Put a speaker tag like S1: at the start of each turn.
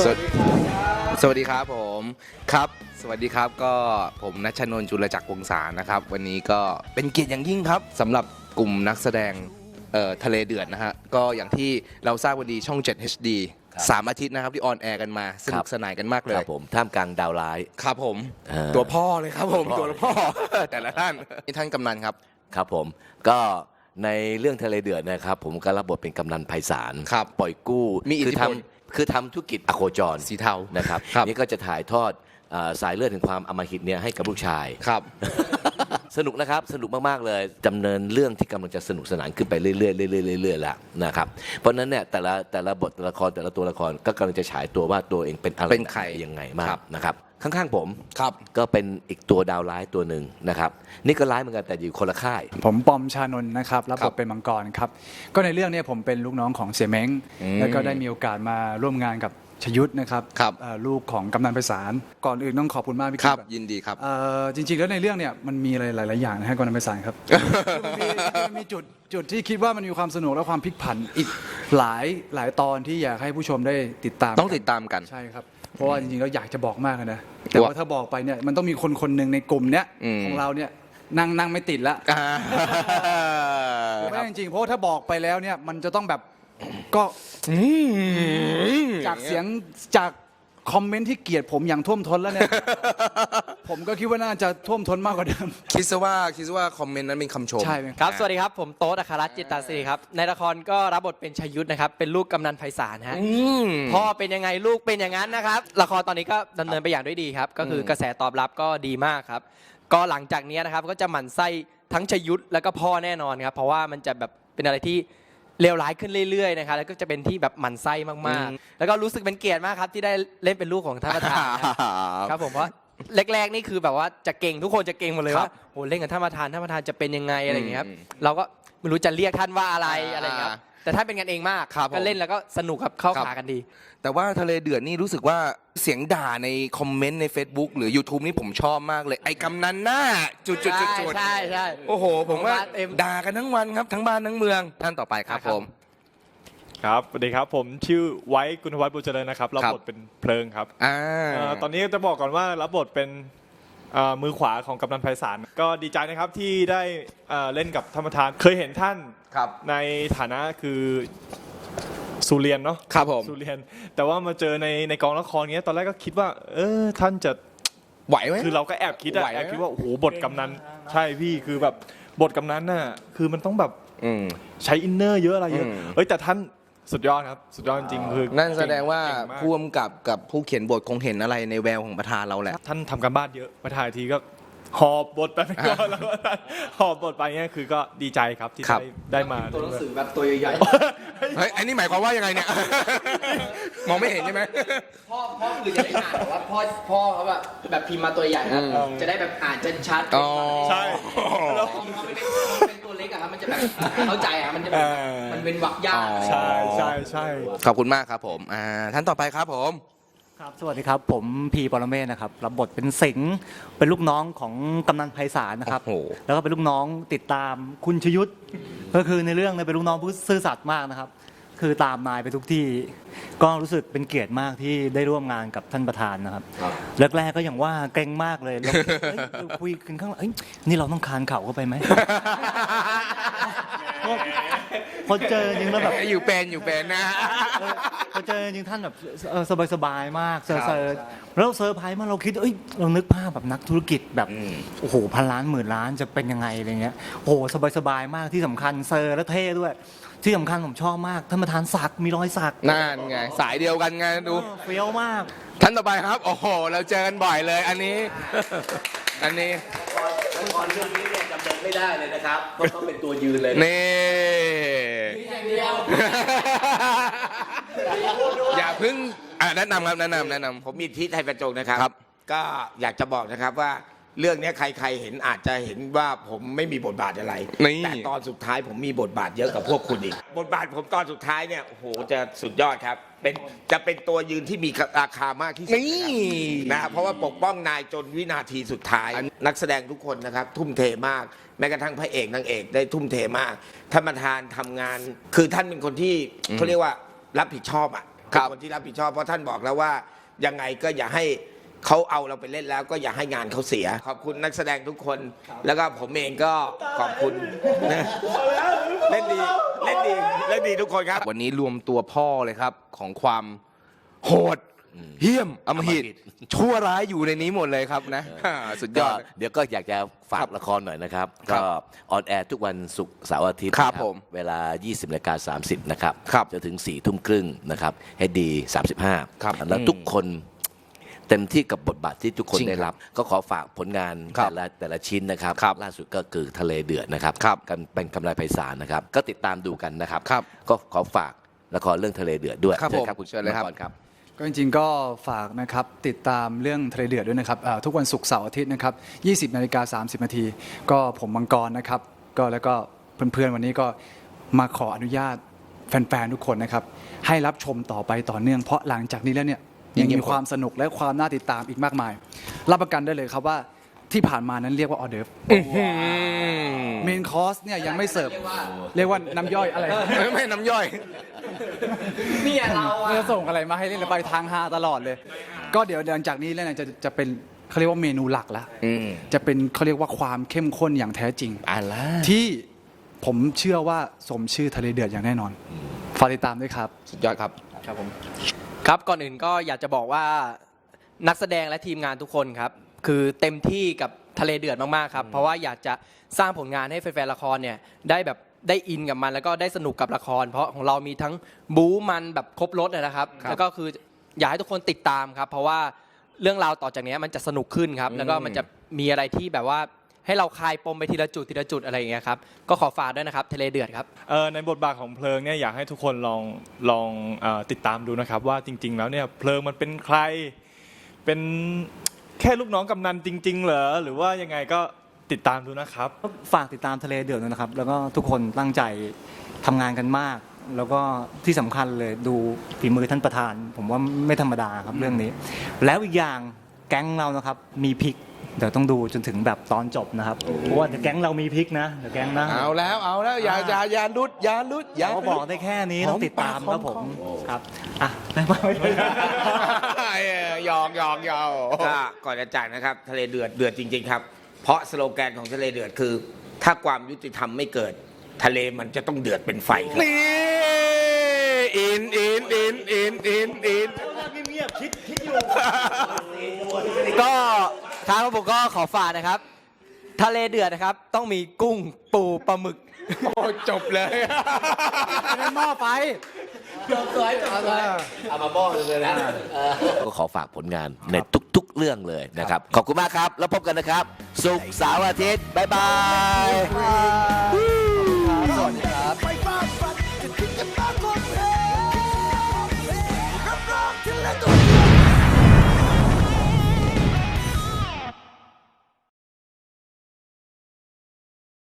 S1: สวัสดีครับผมครับสวัสดีครับก็ผมณัชนนท์จุลจักรวงศานะครับวันนี้ก็เป็นเกียรติอย่างยิ่งครับสำหรับกลุ่มนักแสดงทะเลเดือดนะฮะก็อย่างที่เราทราบวันดีช่อง 7 HD 3 อาทิตย์นะครับที่ออนแอร์กันมาสนุกสนานกันมากเลย
S2: ครับผมท่ามกลางดาวร้าย
S1: ครับผมตัวพ่อเลยครับผมตัวพ่อแต่ละท่านนี่ท่านกำนันครับ
S2: ครับผมก็ในเรื่องทะเลเดือดนะครับผมก็รับบทเป็นกำนันไพศาลปล่อยกู้
S1: มีอิทธิพล
S2: คือทำธุรกิจอโคจร
S1: สีเทา
S2: นะครับนี่ก็จะถ่ายทอดสายเลือดถึงความอำมหิตเนี่ยให้กับลูกชาย
S1: ครับ
S2: สนุกนะครับสนุกมากๆเลยดำเนินเรื่องที่กำลังจะสนุกสนานขึ้นไปเรื่อยๆเรื่อยๆแล้วนะครับเพราะนั้นเนี่ยแต่ละบทละครแต่ละตัวละครก็กำลังจะฉายตัวว่าตัวเองเป็นอะไร
S1: เป็นใคร
S2: ยังไงมากนะครับข้างๆผม
S1: ครับ
S2: ก็เป็นอีกตัวดาวร้ายตัวหนึ่งนะครับนี่ก็ร้ายเหมือนกันแต่อยู่คนละค่าย
S3: ผมปอมชานนท์นะครับรับบทเป็นมังกรครับก็ในเรื่องนี้ผมเป็นลูกน้องของเสี่ยเม้งแล้วก็ได้มีโอกาสมาร่วมงานกับชยุทธนะครับลูกของกำนันไพศาลก่อนอื่นต้องขอบคุณมากพี่
S1: ครับยินดีครับ
S3: จริงๆแล้วในเรื่องเนี่ยมันมีอะไรหลายๆอย่างนะฮะกำนันไพศาลครับมันมีจุดที่คิดว่ามันมีความสนุกและความพลิกผันอีกหลายตอนที่อยากให้ผู้ชมได้ติดตาม
S1: ต้องติดตามกัน
S3: ใช่ครับเพราะว่าจริงๆแล้วอยากจะบอกมากนะแต่ว่าถ้าบอกไปเนี่ยมันต้องมีคนหนึ่งในกลุ่มเนี้ยของเราเนี่ยนั่งไม่ติดละไม่จริงๆเพราะถ้าบอกไปแล้วเนี่ยมันจะต้องแบบก็จากเสียงจากคอมเมนต์ที่เกลียดผมอย่างท่วมท้นแล้วเนี่ยผมก็คิดว่าน่าจะท่วมท้นมากกว่าเดิม
S1: คิดซะว่าคอมเมนต์นั้นเป็นคำชม
S3: ใช่
S4: ครับสวัสดีครับผมโต๊ดอัครรัตน์จิตตาศิริครับในละครก็รับบทเป็นชยุทธนะครับเป็นลูกกำนันไพศาลฮะพ่อเป็นยังไงลูกเป็นอย่างนั้นนะครับละครตอนนี้ก็ดำเนินไปอย่างด้วยดีครับก็คือกระแสตอบรับก็ดีมากครับก็หลังจากนี้นะครับก็จะหมั่นไส้ทั้งชยุทธแล้วก็พ่อแน่นอนครับเพราะว่ามันจะแบบเป็นอะไรที่เลวร้ายขึ้นเรื่อยๆนะครับแล้วก็จะเป็นที่แบบหมั่นไส้มากๆแล้วก็รู้สึกเป็นเกียรติมากครับที่ได้เล่นเป็นลูกของท่านประธานครับผมเพราะแรกๆนี่คือแบบว่าจะเก่งทุกคนจะเก่งหมดเลยว่าโหเล่นกับท่านประธานจะเป็นยังไงอะไรอย่างเงี้ยครับเราก็ไม่รู้จะเรียกท่านว่าอะไรเงี้ยแต่ท่านเป็นกันเองมากก็เล่นแล้วก็สนุกครับเข้าขากันดี
S1: แต่ว่าทะเลเดือดนี่รู้สึกว่าเสียงด่าในคอมเมนต์ใน Facebook หรือ YouTube นี่ผมชอบมากเลยไอ้กำนันหน้าจุด
S4: ใช่
S1: โอ้โหผมว่าด่ากันทั้งวันครับทั้งบ้านทั้งเมืองท่านต่อไปครับผม
S5: ครับสวัสดีครับผมชื่อไว้กุณวัฒน์บุญเจริญนะครับรับบทเป็นเพลิงครับตอนนี้จะบอกก่อนว่ารับบทเป็นมือขวาของกำนันไพศาลก็ดีใจนะครับที่ได้เล่นกับท่านประธานเคยเห็นท่านในฐานะคือสุเรียนเนาะ
S1: ครับผม
S5: สุเรียนแต่ว่ามาเจอในกองละครเงี้ยตอนแรกก็คิดว่าท่านจะ
S1: ไหวไหม
S5: คือเราก็แอบคิดว่าโอ้โหบทกำนันใช่พี่คือแบบบทกำนันน่ะคือมันต้องแบบใช้อินเนอร์เยอะอะไรเยอะแต่ท่านสุดยอดครับสุดยอดจริงคือ
S1: นั่นแสดงว่าผู้กำกับผู้เขียนบทคงเห็นอะไรในแววของประธานเราแหละ
S5: ท่านทำการบ้านเยอะมาถ่ายทีก็หอบบทไปก่อนแล้วหอบบทไปเนี่ยคือก็ดีใจครับที่ได้มา
S4: ตัวหนังสือแบบตัวใหญ่
S1: ๆเฮ้ยอันนี้หมายความว่ายังไงเนี่ยมองไม่เห็นใช่ไหม
S4: พ่อคือจะได้อ่านแต่ว่าพ่อเขาแบบพิมพ์มาตัวใหญ่นะจะได้แบบอ่านชัด
S5: ใช่
S4: แล้วเป็นตัวเล็กอะครับมันจะแบบเข้าใจอะมันจะมันเป็นวรรคยาก
S5: ใช่
S1: ขอบคุณมากครับผมท่านต่อไปครับผม
S6: ครับสวัสดีครับผมพีปรเมศนะครับรับบทเป็นสิงห์เป็นลูกน้องของกำนันไพศาลนะครับแล้วก็เป็นลูกน้องติดตามคุณชยุทธก็คือในเรื่องเป็นลูกน้องผู้ซื่อสัตย์มากนะครับคือตามนายไปทุกที่ก็รู้สึกเป็นเกียรติมากที่ได้ร่วมงานกับท่านประธานนะครับแรกๆก็อย่างว่าเกรงมากเลยเราคุยกันข้างหลังนี่เราต้องคานเข่าเข้าไปไหมพอเจอจริงแล้วแบบ
S1: อยู่เป็นนะ
S6: พอเจอจริงท่านแบบสบายมากเซอร์แล้วเซอร์ไพรส์มากเราคิดเรานึกภาพแบบนักธุรกิจแบบโอ้โหพันล้านหมื่นล้านจะเป็นยังไงอะไรเงี้ยโอ้โหสบายมากที่สำคัญเซอร์และเท่ด้วยที่สำคัญผมชอบมากท่านประธานสักมีรอยสัก
S1: นั่นไงสายเดียวกันไงดู
S6: เฟี้ยวมาก
S1: ท่านต่อไปครับโอ้โหเราเจอกันบ่อยเลยอันนี้
S2: ละครเรื่องนี้เนี่ยจำเป็นไม่ได้เลยนะครับต้องเป็นตัวยืนเลย
S1: นี่อย่าพึ่งแนะนำครับแนะนำ
S7: ผมมีทิศไทยประจงนะครับก็อยากจะบอกนะครับว่าเรื่องนี้ใครๆเห็นอาจจะเห็นว่าผมไม่มีบทบาทอะไรแต่ตอนสุดท้ายผมมีบทบาทเยอะกับพวกคุณอีกบทบาทผมตอนสุดท้ายเนี่ยโอ้โหจะสุดยอดครับจะเป็นตัวยืนที่มีราคามากที่สุดนะเพราะว่าปกป้องนายจนวินาทีสุดท้ายนักแสดงทุกคนนะครับทุ่มเทมากแม้กระทั่งพระเอกนางเอกได้ทุ่มเทมากท่านประธานทำงานคือท่านเป็นคนที่เขาเรียกว่ารับผิดชอบ
S1: ครับ
S7: เป็นคนที่รับผิดชอบเพราะท่านบอกแล้วว่ายังไงก็อย่าให้เขาเอาเราไปเล่นแล้วก็อย่าให้งานเขาเสีย ขอบคุณนักแสดงทุกคน แล้วก็ผมเองก็ขอบคุณนะเล่นดีเล่นดีเล่นดีทุกคนครับ
S1: วันนี้รวมตัวพ่อเลยครับของความโหดเหี้ยมอำมหิตชั่วร้ายอยู่ในนี้หมดเลยครับนะสุดย
S2: ก็
S1: อด
S2: เดี๋ยวก็อยากจะฝากละครหน่อยนะครับ
S1: ครั
S2: ก็
S1: บ
S2: ออนแอร์ทุกวันศุกร์เสาร์อาทิตย์
S1: ครับ
S2: นะ
S1: ผม
S2: เวลา 20:30 นะครับ
S1: ครับ
S2: จะถึง 4 ทุ่มครึ่งนะครับให้ดี 35
S1: ครับ
S2: แล้วทุกคนเต็มที่กับบทบาทที่ทุกคน
S1: จริง
S2: ได้รับ ก็ขอฝากผลงาน
S1: ครับ
S2: แต่ละชิ้นนะครับ
S1: ครับ
S2: ล่าสุดก็คือทะเลเดือดนะครับ
S1: ครับ
S2: กันเป็นกำไรไพศาลนะครับ ก็ติดตามดูกันนะครับ
S1: ครับ
S2: ก็ขอฝากละครเรื่องทะเลเดือดด้วย
S1: ครับ
S2: เชิญ
S1: ผม
S2: ครับคุณ
S1: เชิญเลยครับ
S2: มังกครับ
S3: ก็จริงๆก็ฝากนะครับติดตามเรื่องทะเลเดือดด้วยนะครับทุกวันศุกร์เสาร์อาทิตย์นะครับ 20:30 นาทีก็ผมมังกรนะครับก็แล้วก็เพื่อนๆวันนี้ก็มาขออนุญาตแฟนๆทุกคนนะครับให้รับชมต่อไปต่อเนื่องเพราะหลังจากนี้แล้วเนี่ยยังมีความสนุกและความน่าติดตามอีกมากมาย รับประกันได้เลยครับว่าที่ผ่านมานั้นเรียกว่าออเดิร์ฟเมนคอร์สเนี่ยยังไม่เสิร์ฟเรียกว่าน้ำย่อยอะไร
S1: ไม่น้ำย่อย
S3: เนี่ยเราจะส่งอะไรมาให้เล่นแล้วไปทางฮาตลอดเลย ก็เดี๋ยวหลังจากนี้แล้วเนี่ยจะเป็นเขาเรียกว่าเมนูหลักแล้วจะเป็นเขาเรียกว่าความเข้มข้นอย่างแท้จริง
S1: อะไร
S3: ที่ผมเชื่อว่าสมชื่อทะเลเดือดอย่างแน่นอนฝากติดตามด้วยครับ
S1: สุดยอดครับ
S4: ครับผมครับก่อนอื่นก็อยากจะบอกว่านักแสดงและทีมงานทุกคนครับคือเต็มที่กับทะเลเดือดมากๆครับเพราะว่าอยากจะสร้างผลงานให้แฟนๆละครเนี่ยได้แบบได้อินกับมันแล้วก็ได้สนุกกับละคร เพราะของเรามีทั้งบู๊มันแบบครบรถนะครับ แล้วก็คืออยากให้ทุกคนติดตามครับเพราะว่าเรื่องราวต่อจากนี้มันจะสนุกขึ้นครับแล้วก็มันจะมีอะไรที่แบบว่าให้เราคลายปมไปทีละจุดอะไรอย่างเงี้ยครับก็ขอฝากด้วยนะครับทะเลเดือดครับ
S5: ในบทบาทของเพลิงเนี่ยอยากให้ทุกคนลองติดตามดูนะครับว่าจริง ๆ แล้วเนี่ยเพลิงมันเป็นใครเป็นแค่ลูกน้องกำนันจริง ๆ เหรอหรือว่ายังไงก็ติดตามดูนะครับ
S6: ฝากติดตามทะเลเดือดด้วยนะครับ แล้วก็ทุกคนตั้งใจทำงานกันมาก แล้วก็ที่สำคัญเลยดูฝีมือท่านประธาน ผมว่าไม่ธรรมดาครับเรื่องนี้ แล้วอีกอย่างแก๊งเรานะครับมีพริก เดี๋ยวต้องดูจนถึงแบบตอนจบนะครับเพราะว่าแก๊งเรามีพริกนะเดี๋ยวแก๊งนะ
S1: เอาแล้วอย่าลุด
S6: เขาบอกได้แค่นี้ต้องติดตามครับผมครับอ่ะได้ไหม
S1: หยอก
S7: ก็ก่อนจะจากนะครับทะเลเดือดเดือดจริง ๆ ครับ เพราะสโลแกนของทะเลเดือดคือ ถ้าความยุติธรรมไม่เกิด ทะเลมันจะต้องเดือดเป็นไฟครับ
S1: นี่อิน
S4: ก็ครับผมก็ขอฝากนะครับ ทะเลเดือดนะครับ ต้องมีกุ้งปูปลาหมึก
S1: โอ้จบเลย
S3: หม้อไฟ
S2: เอามาบ้อเลยนะก็ขอฝากผลงานในทุกๆเรื่องเลยนะครับ ขอบคุณมากครับ แล้วพบกันนะครับศุกร์เสาร์อาทิตย์ บ๊ายบาย
S3: สวัสดีครับ